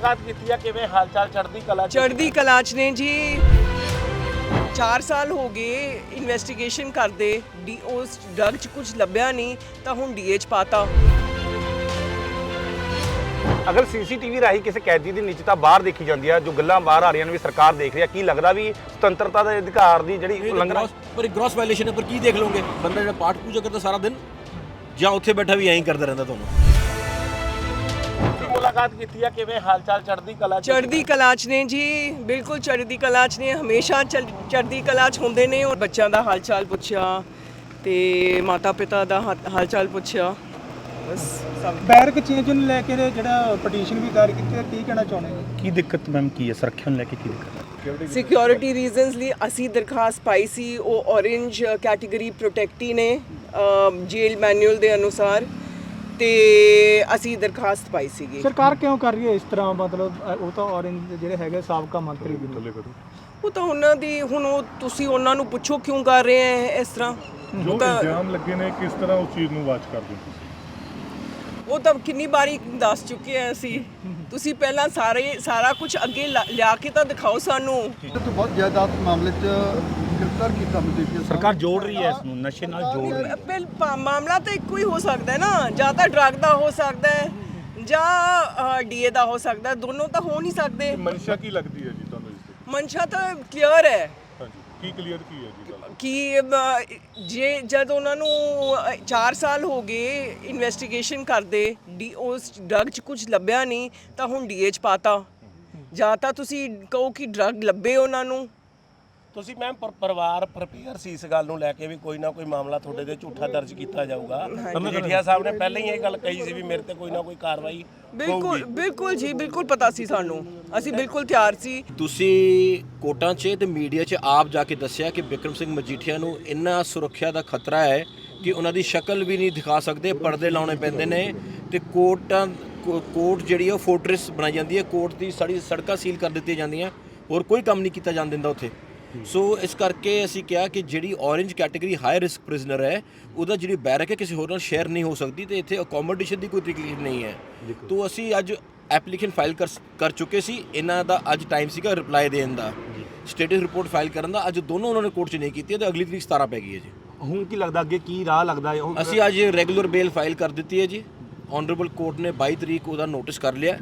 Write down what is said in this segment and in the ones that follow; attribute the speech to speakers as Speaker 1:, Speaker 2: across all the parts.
Speaker 1: ਮੁਲਾਕਾਤ ਕੀਤੀ ਆ, ਕਿਵੇਂ ਹਾਲ ਚਾਲ?
Speaker 2: ਚੜ੍ਹਦੀ ਕਲਾ ਚ ਨੇ ਜੀ। 4 ਸਾਲ ਹੋ ਗਏ ਇਨਵੈਸਟੀਗੇਸ਼ਨ ਕਰਦੇ, ਉਸ ਡਰਗ ਚ ਕੁਝ ਲੱਭਿਆ ਨਹੀਂ ਤਾਂ ਹੁਣ ਡੀਏ ਚ ਪਾਤਾ।
Speaker 3: ਅਗਰ ਸੀਸੀਟੀਵੀ ਰਾਹੀਂ ਕਿਸੇ ਕੈਦੀ ਦੀ ਨਿੱਜਤਾ ਬਾਹਰ ਦੇਖੀ ਜਾਂਦੀ ਹੈ, ਜੋ ਗੱਲਾਂ ਬਾਹਰ ਆ ਰਹੀਆਂ ਨੇ ਵੀ ਸਰਕਾਰ ਦੇਖ ਰਹੀ ਹੈ, ਕੀ ਲੱਗਦਾ ਵੀ ਸੁਤੰਤਰਤਾ ਦੇ ਅਧਿਕਾਰ ਦੀ ਜਿਹੜੀ ਉਲੰਘਣਾ
Speaker 4: ਪਰ ਗ੍ਰੋਸ ਵਾਇਲੇਸ਼ਨ ਹੈ। ਪਰ ਕੀ ਦੇਖ ਲਓਗੇ? ਬੰਦਾ ਜਿਹੜਾ ਪਾਠ ਪੂਜਾ ਕਰਦਾ ਸਾਰਾ ਦਿਨ ਜਾਂ ਉੱਥੇ ਬੈਠਾ ਵੀ ਐਂ ਹੀ ਕਰਦਾ ਰਹਿੰਦਾ। ਤੁਹਾਨੂੰ
Speaker 1: ਮੁਲਾਕਾਤ ਕੀਤੀ ਆ, ਕਿਵੇਂ ਹਾਲ ਚਾਲ?
Speaker 2: ਚੜ੍ਹਦੀ ਕਲਾ ਚ ਨੇ ਜੀ, ਬਿਲਕੁਲ ਚੜ੍ਹਦੀ ਕਲਾ ਚ ਨੇ, ਹਮੇਸ਼ਾ ਚੜ੍ਹਦੀ ਕਲਾ ਚ ਹੁੰਦੇ ਨੇ। ਔਰ ਬੱਚਿਆਂ ਦਾ ਹਾਲ ਚਾਲ ਪੁੱਛਿਆ ਤੇ ਮਾਤਾ ਪਿਤਾ ਦਾ ਹਾਲ ਚਾਲ ਪੁੱਛਿਆ, ਬਸ ਸਭ।
Speaker 5: ਬੈਰਕ ਚੇਂਜ ਨੂੰ ਲੈ ਕੇ ਜਿਹੜਾ ਪਟੀਸ਼ਨ ਵੀ ਦਾਇਰ ਕੀਤੀ ਹੈ, ਕੀ ਕਹਿਣਾ ਚਾਹੁੰਦੇ ਹੋ?
Speaker 6: ਕੀ ਦਿੱਕਤ ਮੈਮ ਕੀ ਹੈ? ਸੁਰੱਖਿਆ ਨੂੰ ਲੈ ਕੇ ਕੀ ਦਿੱਕਤ ਹੈ?
Speaker 2: ਸਿਕਿਉਰਿਟੀ ਰੀਜ਼ਨਸ ਲਈ ਅਸੀਂ ਦਰਖਾਸਤ ਪਾਈ ਸੀ। ਉਹ ਔਰੇਂਜ ਕੈਟਾਗਰੀ ਪ੍ਰੋਟੈਕਟੀ ਨੇ ਜੇਲ ਮੈਨੂਅਲ ਦੇ ਅਨੁਸਾਰ, ਤੇ ਅਸੀਂ ਦਰਖਾਸਤ ਪਾਈ ਸੀਗੀ।
Speaker 5: ਸਰਕਾਰ ਕਿਉਂ ਕਰ ਰਹੀ ਹੈ ਇਸ ਤਰ੍ਹਾਂ? ਮਤਲਬ ਉਹ ਤਾਂ ਔਰੇਂਜ ਜਿਹੜੇ ਹੈਗੇ ਸਾਬਕਾ ਮੰਤਰੀ ਵੀ ਨੇ।
Speaker 2: ਉਹ ਤਾਂ ਉਹਨਾਂ ਦੀ, ਹੁਣ ਉਹ ਤੁਸੀਂ ਉਹਨਾਂ ਨੂੰ ਪੁੱਛੋ ਕਿਉਂ ਕਰ ਰਹੇ ਹੈ ਇਸ ਤਰ੍ਹਾਂ।
Speaker 7: ਜੋ ਇਲਜ਼ਾਮ ਲੱਗੇ ਨੇ, ਕਿਸ ਤਰ੍ਹਾਂ ਉਸ ਚੀਜ਼ ਨੂੰ ਵਾਚ ਕਰਦੇ ਹੋ ਤੁਸੀਂ?
Speaker 2: ਉਹ ਤਾਂ ਕਿੰਨੀ ਵਾਰੀ ਦੱਸ ਚੁੱਕੇ ਆ ਅਸੀਂ। ਤੁਸੀਂ ਪਹਿਲਾਂ ਸਾਰਾ ਕੁਝ ਅੱਗੇ ਲਿਆ ਕੇ ਤਾਂ ਦਿਖਾਓ ਸਾਨੂੰ।
Speaker 8: ਤੋਂ ਬਹੁਤ ਜ਼ਿਆਦਾ ਮਾਮਲੇ 'ਚ ਗ੍ਰਿਫਤਾਰ ਕੀਤਾ ਮਜੀਠੀਆ।
Speaker 6: ਸਰਕਾਰ ਜੋੜ ਰਹੀ ਹੈ ਇਸ ਨੂੰ, ਨਸ਼ੇ ਨਾਲ ਜੋੜ ਰਹੀ ਹੈ।
Speaker 2: ਮਾਮਲਾ ਤਾਂ ਇੱਕੋ ਹੀ ਹੋ ਸਕਦਾ ਹੈ ਨਾ, ਜਾਂ ਤਾਂ ਡਰੱਗ ਦਾ ਹੋ ਸਕਦਾ ਹੈ ਜਾਂ ਡੀਏ ਦਾ ਹੋ ਸਕਦਾ ਹੈ, ਦੋਨੋਂ ਤਾਂ ਹੋ ਨਹੀਂ ਸਕਦੇ।
Speaker 7: ਮਨਸ਼ਾ ਕੀ ਲੱਗਦੀ ਹੈ ਜੀ ਤੁਹਾਨੂੰ ਇਸ ਦੀ?
Speaker 2: ਮਨਸ਼ਾ ਤਾਂ ਕਲੀਅਰ ਹੈ
Speaker 7: ਹਾਂਜੀ, ਕੀ ਕਲੀਅਰ ਕੀ ਹੈ ਜੀ ਗੱਲ?
Speaker 2: ਕਿ ਜੇ ਜਦ ਉਹਨਾਂ ਨੂੰ 4 ਸਾਲ ਹੋ ਗਏ ਇਨਵੈਸਟੀਗੇਸ਼ਨ ਕਰਦੇ, ਉਸ ਡਰਗ 'ਚ ਕੁਝ ਲੱਭਿਆ ਨਹੀਂ ਤਾਂ ਹੁਣ ਡੀਏ 'ਚ ਪਾਤਾ। ਜਾਂ ਤਾਂ ਤੁਸੀਂ ਕਹੋ ਕਿ ਡਰਗ ਲੱਭੇ ਉਹਨਾਂ ਨੂੰ।
Speaker 1: ਤੁਸੀਂ ਮੈਮ ਪਰਿਵਾਰ ਪ੍ਰਪੇਅਰ ਸੀ ਇਸ ਗੱਲ ਨੂੰ ਲੈ ਕੇ ਵੀ ਕੋਈ ਨਾ ਕੋਈ ਮਾਮਲਾ ਤੁਹਾਡੇ ਤੇ ਝੂਠਾ ਦਰਜ ਕੀਤਾ ਜਾਊਗਾ? ਮਜੀਠੀਆ ਸਾਹਿਬ ਨੇ ਪਹਿਲਾਂ ਹੀ ਇਹ ਗੱਲ ਕਹੀ ਸੀ ਵੀ ਮੇਰੇ ਤੇ ਕੋਈ ਨਾ ਕੋਈ ਕਾਰਵਾਈ
Speaker 2: ਬਿਲਕੁਲ ਜੀ, ਬਿਲਕੁਲ ਪਤਾ ਸੀ ਸਾਨੂੰ, ਅਸੀਂ ਬਿਲਕੁਲ ਤਿਆਰ ਸੀ।
Speaker 4: ਤੁਸੀਂ ਕੋਰਟਾਂ 'ਚ ਤੇ ਮੀਡੀਆ 'ਚ ਆਪ ਜਾ ਕੇ ਦੱਸਿਆ ਕਿ ਬਿਕਰਮ ਸਿੰਘ ਮਜੀਠੀਆ ਨੂੰ ਇੰਨਾ ਸੁਰੱਖਿਆ ਦਾ ਖਤਰਾ ਹੈ ਕਿ ਉਹਨਾਂ ਦੀ ਸ਼ਕਲ ਵੀ ਨਹੀਂ ਦਿਖਾ ਸਕਦੇ, ਪਰਦੇ ਲਾਉਣੇ ਪੈਂਦੇ ਨੇ। ਤੇ ਕੋਰਟ ਜਿਹੜੀ ਉਹ ਫੋਰਟ੍ਰੈਸ ਬਣਾਈ ਜਾਂਦੀ ਹੈ, ਕੋਰਟ ਦੀ ਸਾਰੀ ਸੜਕਾਂ ਸੀਲ ਕਰ ਦਿੱਤੀਆਂ ਜਾਂਦੀਆਂ, ਹੋਰ ਕੋਈ ਕੰਮ ਨਹੀਂ ਕੀਤਾ ਜਾਣ ਦਿੰਦਾ ਉੱਥੇ। ਸੋ ਇਸ ਕਰਕੇ ਅਸੀਂ ਕਿਹਾ ਕਿ ਜਿਹੜੀ orange category high risk prisoner ਹੈ, ਉਹਦਾ ਜਿਹੜੀ ਬੈਰਕ ਹੈ ਕਿਸੇ ਹੋਰ ਨਾਲ ਸ਼ੇਅਰ ਨਹੀਂ ਹੋ ਸਕਦੀ, ਤੇ ਇੱਥੇ ਅਕੋਮੋਡੇਸ਼ਨ ਦੀ ਕੋਈ ਤਕਲੀਫ ਨਹੀਂ ਹੈ। ਤੋ ਅਸੀਂ ਅੱਜ ਐਪਲੀਕੇਸ਼ਨ ਫਾਈਲ ਕਰ ਚੁੱਕੇ ਸੀ। ਇਹਨਾਂ ਦਾ ਅੱਜ ਟਾਈਮ ਸੀਗਾ ਰਿਪਲਾਈ ਦੇਣ ਦਾ, ਸਟੇਟਸ ਰਿਪੋਰਟ ਫਾਈਲ ਕਰਨ ਦਾ। ਅੱਜ ਦੋਨੋਂ ਉਹਨਾਂ ਨੇ ਕੋਰਟ 'ਚ ਨਹੀਂ ਕੀਤੀ ਤੇ ਅਗਲੀ ਤਰੀਕ 17 ਪੈ ਗਈ ਹੈ ਜੀ।
Speaker 3: ਹੁਣ ਕੀ ਲੱਗਦਾ ਅੱਗੇ ਕੀ ਰਾਹ ਲੱਗਦਾ ਹੈ?
Speaker 4: ਅਸੀਂ ਅੱਜ ਰੈਗੂਲਰ ਬੇਲ ਫਾਈਲ ਕਰ ਦਿੱਤੀ ਹੈ ਜੀ। ਆਨਰੇਬਲ ਕੋਰਟ ਨੇ 22 ਤਰੀਕ ਉਹਦਾ ਨੋਟਿਸ ਕਰ ਲਿਆ,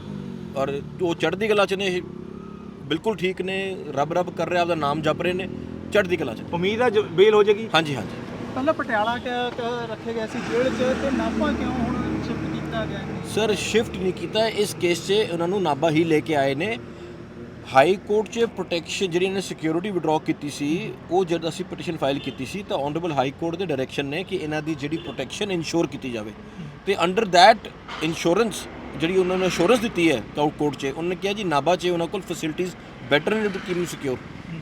Speaker 4: ਔਰ ਉਹ ਚੜ੍ਹਦੀ ਕਲਾ 'ਚ ਨੇ, ਬਿਲਕੁਲ ਠੀਕ ਨੇ, ਰੱਬ ਕਰ ਰਿਹਾ, ਆਪਦਾ ਨਾਮ ਜਪ ਰਹੇ ਨੇ, ਚੜ੍ਹਦੀ ਕਲਾ 'ਚ।
Speaker 3: ਉਮੀਦ ਹੈ ਬੇਲ ਹੋ ਜਾਏਗੀ?
Speaker 4: ਹਾਂਜੀ।
Speaker 5: ਪਹਿਲਾਂ ਪਟਿਆਲਾ ਰੱਖੇ ਗਏ ਸੀ ਜੇਲ੍ਹ 'ਚ, ਤੇ ਨਾਭਾ ਕਿਉਂ ਹੁਣ ਸ਼ਿਫਟ ਕੀਤਾ ਗਿਆ?
Speaker 4: ਸਰ ਸ਼ਿਫਟ ਨਹੀਂ ਕੀਤਾ, ਇਸ ਕੇਸ 'ਚ ਉਹਨਾਂ ਨੂੰ ਨਾਭਾ ਹੀ ਲੈ ਕੇ ਆਏ ਨੇ। ਹਾਈ ਕੋਰਟ 'ਚ ਪ੍ਰੋਟੈਕਸ਼ਨ ਜਿਹੜੀ ਇਹਨੇ ਸਿਕਿਉਰਿਟੀ ਵਿਡਰਾਅ ਕੀਤੀ ਸੀ, ਉਹ ਜਦ ਅਸੀਂ ਪਟੀਸ਼ਨ ਫਾਈਲ ਕੀਤੀ ਸੀ ਤਾਂ ਆਨਰੇਬਲ ਹਾਈ ਕੋਰਟ ਦੇ ਡਾਇਰੈਕਸ਼ਨ ਨੇ ਕਿ ਇਹਨਾਂ ਦੀ ਜਿਹੜੀ ਪ੍ਰੋਟੈਕਸ਼ਨ ਇਨਸ਼ੋਰ ਕੀਤੀ ਜਾਵੇ, ਤੇ ਅੰਡਰ ਦੈਟ ਇੰਸ਼ੋਰੈਂਸ ਜਿਹੜੀ ਉਹਨਾਂ ਨੇ ਇੰਸ਼ੋਰੈਂਸ ਦਿੱਤੀ ਹੈ ਕੋਰਟ 'ਚ, ਉਹਨਾਂ ਨੇ ਕਿਹਾ ਜੀ ਨਾਭਾ 'ਚ ਉਹਨਾਂ ਕੋਲ ਫੈਸਿਲਿਟੀਜ਼ ਬੈਟਰ ਨੇ to keep you secure.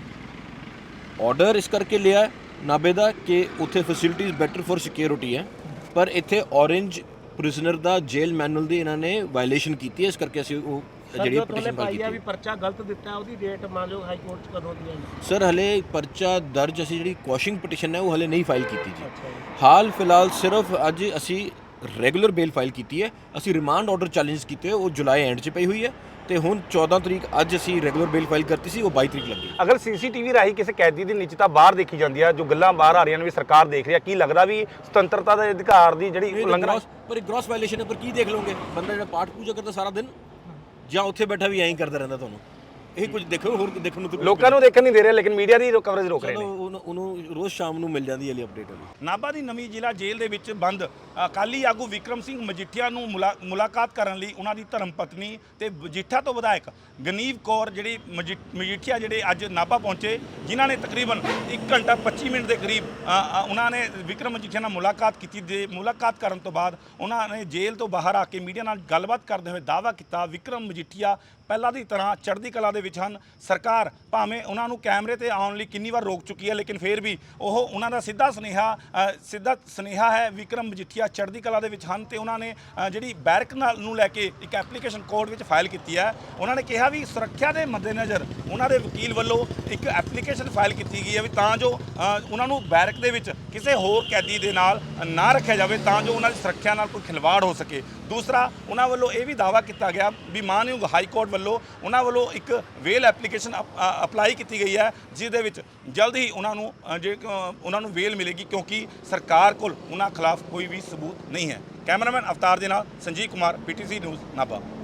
Speaker 4: Order ਇਸ ਕਰਕੇ ਲਿਆ ਨਾਭੇ ਦਾ ਕਿ ਉੱਥੇ ਫੈਸਿਲਿਟੀਜ਼ ਬੈਟਰ ਫॉर ਸਿਕਿਉਰਿਟੀ ਹੈ, ਪਰ ਇੱਥੇ ਔਰੇਂਜ ਪ੍ਰਿਜ਼ਨਰ ਦਾ ਜੇਲ ਮੈਨੂਅਲ ਦੀ ਇਹਨਾਂ ਨੇ ਵਾਇਲੇਸ਼ਨ ਕੀਤੀ ਹੈ। ਇਸ ਕਰਕੇ ਅਸੀਂ ਉਹ ਜਿਹੜੀ ਪਟੀਸ਼ਨ ਫਾਈਲ ਕੀਤੀ ਹੈ।
Speaker 1: ਵੀ ਪਰਚਾ ਗਲਤ ਦਿੱਤਾ, ਉਹਦੀ ਡੇਟ ਮੰਨ ਲਓ ਹਾਈ ਕੋਰਟ 'ਚ ਕਦੋਂ ਦੀ ਹੈ?
Speaker 4: ਸਰ ਹਲੇ ਪਰਚਾ ਦਰਜ, ਅਸੀਂ ਜਿਹੜੀ ਕੁਐਸ਼ਿੰਗ ਪਟੀਸ਼ਨ ਹੈ ਉਹ ਹਲੇ ਨਹੀਂ ਫਾਈਲ ਕੀਤੀ ਜੀ। ਹਾਲ ਫਿਲਹਾਲ ਸਿਰਫ ਅੱਜ ਅਸੀਂ ਰੈਗੂਲਰ ਬੇਲ ਫਾਈਲ ਕੀਤੀ ਹੈ। ਅਸੀਂ ਰਿਮਾਂਡ ਆਰਡਰ ਚੈਲੰਜ ਕੀਤੇ, ਉਹ ਜੁਲਾਈ ਐਂਡ 'ਚ ਪਈ ਹੋਈ ਹੈ, ਤੇ ਹੁਣ 14 ਤਰੀਕ ਅੱਜ ਅਸੀਂ ਰੈਗੂਲਰ ਬੇਲ ਫਾਈਲ ਕਰਤੀ ਸੀ, ਉਹ 22 ਤਰੀਕ ਲੱਗੀ।
Speaker 3: ਅਗਰ ਸੀਸੀਟੀਵੀ ਰਾਹੀਂ ਕਿਸੇ ਕੈਦੀ ਦੀ ਨਿੱਜਤਾ ਬਾਹਰ ਦੇਖੀ ਜਾਂਦੀ ਹੈ, ਜੋ ਗੱਲਾਂ ਬਾਹਰ ਆ ਰਹੀਆਂ ਨੇ ਵੀ ਸਰਕਾਰ ਦੇਖ ਰਹੀ ਹੈ, ਕੀ ਲੱਗਦਾ ਵੀ ਸੁਤੰਤਰਤਾ ਦੇ ਅਧਿਕਾਰ ਦੀ ਜਿਹੜੀ ਉਲੰਘਣਾ
Speaker 4: ਪਰ ਗ੍ਰੋਸ ਵਾਇਲੇਸ਼ਨ ਹੈ। ਪਰ ਕੀ ਦੇਖ ਲਓਗੇ? ਬੰਦਾ ਜਿਹੜਾ ਪਾਠ ਪੂਜਾ ਕਰਦਾ ਸਾਰਾ ਦਿਨ ਜਾਂ ਉੱਥੇ ਬੈਠਾ ਵੀ ਐਂ ਹੀ ਕਰਦਾ ਰਹਿੰਦਾ। ਤੁਹਾਨੂੰ ਇਹ ਕੁਝ ਦੇਖੋ, ਹੋਰ ਦੇਖਣ ਨੂੰ
Speaker 3: ਲੋਕਾਂ ਨੂੰ ਦੇਖਣ ਨਹੀਂ ਦੇ ਰਹੇ, ਲੇਕਿਨ ਮੀਡੀਆ ਦੀ ਕਵਰੇਜ ਰੋਕ ਰਹੇ ਨੇ।
Speaker 4: ਉਹਨੂੰ ਰੋਜ਼ ਸ਼ਾਮ ਨੂੰ ਮਿਲ ਜਾਂਦੀ ਹੈ ਲਈ ਅਪਡੇਟ।
Speaker 6: ਨਾਭਾ ਦੀ ਨਵੀਂ ਜ਼ਿਲ੍ਹਾ ਜੇਲ੍ਹ ਦੇ ਵਿੱਚ ਬੰਦ ਅਕਾਲੀ ਆਗੂ ਵਿਕਰਮ ਸਿੰਘ ਮਜੀਠੀਆ ਨੂੰ ਮੁਲਾਕਾਤ ਕਰਨ ਲਈ ਉਹਨਾਂ ਦੀ ਧਰਮ ਪਤਨੀ ਤੇ ਮਜੀਠਾ ਤੋਂ ਵਿਧਾਇਕ ਗਨੀਵ ਕੌਰ ਜਿਹੜੀ ਮਜੀਠੀਆ ਜਿਹੜੇ ਅੱਜ ਨਾਭਾ ਪਹੁੰਚੇ, ਜਿਨ੍ਹਾਂ ਨੇ ਤਕਰੀਬਨ 1 ਘੰਟਾ 25 ਮਿੰਟ ਦੇ ਕਰੀਬ ਉਹਨਾਂ ਨੇ ਵਿਕਰਮ ਮਜੀਠੀਆ ਨਾਲ ਮੁਲਾਕਾਤ ਕੀਤੀ। ਮੁਲਾਕਾਤ ਕਰਨ ਤੋਂ ਬਾਅਦ ਉਹਨਾਂ ਨੇ ਜੇਲ੍ਹ ਤੋਂ ਬਾਹਰ ਆ ਕੇ ਮੀਡੀਆ ਨਾਲ ਗੱਲਬਾਤ ਕਰਦੇ ਹੋਏ ਦਾਅਵਾ ਕੀਤਾ ਵਿਕਰਮ ਮਜੀਠੀਆ ਪਹਿਲਾਂ ਦੀ ਤਰ੍ਹਾਂ ਚੜ੍ਹਦੀ ਕਲਾ ਦੇ ਵਿੱਚ ਹਨ। ਸਰਕਾਰ ਭਾਵੇਂ ਉਹਨਾਂ ਨੂੰ ਕੈਮਰੇ ਤੇ ਆਉਣ ਲਈ ਕਿੰਨੀ ਵਾਰ ਰੋਕ ਚੁੱਕੀ ਹੈ, ਲੇਕਿਨ ਫਿਰ ਵੀ ਉਹਨਾਂ ਦਾ ਸਿੱਧਾ ਸੁਨੇਹਾ ਹੈ ਵਿਕਰਮ ਮਜੀਠੀਆ ਚੜ੍ਹਦੀ ਕਲਾ ਦੇ ਵਿੱਚ ਹਨ। ਤੇ ਉਹਨਾਂ ਨੇ ਜਿਹੜੀ ਬੈਰਕ ਨੂੰ ਲੈ ਕੇ ਇੱਕ ਐਪਲੀਕੇਸ਼ਨ ਕੋਰਟ ਵਿੱਚ ਫਾਈਲ ਕੀਤੀ ਹੈ। ਉਹਨਾਂ ਨੇ ਕਿਹਾ ਵੀ ਸੁਰੱਖਿਆ ਦੇ ਮੱਦੇਨਜ਼ਰ ਉਹਨਾਂ ਦੇ ਵਕੀਲ ਵੱਲੋਂ ਇੱਕ ਐਪਲੀਕੇਸ਼ਨ ਫਾਈਲ ਕੀਤੀ ਗਈ ਹੈ ਵੀ ਤਾਂ ਜੋ ਉਹਨਾਂ ਨੂੰ ਬੈਰਕ ਦੇ ਵਿੱਚ ਕਿਸੇ ਹੋਰ ਕੈਦੀ ਦੇ ਨਾਲ ਨਾ ਰੱਖਿਆ ਜਾਵੇ, ਤਾਂ ਜੋ ਉਹਨਾਂ ਦੀ ਸੁਰੱਖਿਆ ਨਾਲ ਕੋਈ ਖਿਲਵਾੜ ਹੋ ਸਕੇ। ਦੂਸਰਾ ਉਹਨਾਂ ਵੱਲੋਂ ਇਹ ਵੀ ਦਾਅਵਾ ਕੀਤਾ ਗਿਆ ਵੀ ਮਾਨਯੋਗ ਹਾਈ ਕੋਰਟ ਵੱਲੋਂ ਉਹਨਾਂ ਵੱਲੋਂ ਇੱਕ ਵੇਲ ਐਪਲੀਕੇਸ਼ਨ ਅਪਲਾਈ ਕੀਤੀ ਗਈ ਹੈ, ਜਿਸ ਦੇ ਵਿੱਚ ਜਲਦ ਹੀ ਉਹਨਾਂ ਨੂੰ ਵੇਲ ਮਿਲੇਗੀ, ਕਿਉਂਕਿ ਸਰਕਾਰ ਕੋਲ ਉਹਨਾਂ ਖਿਲਾਫ ਕੋਈ ਵੀ ਸਬੂਤ ਨਹੀਂ ਹੈ। ਕੈਮਰਾਮੈਨ ਅਵਤਾਰ ਦੇ ਨਾਲ ਸੰਜੀਵ ਕੁਮਾਰ, PTC ਨਿਊਜ਼ ਨਾਭਾ।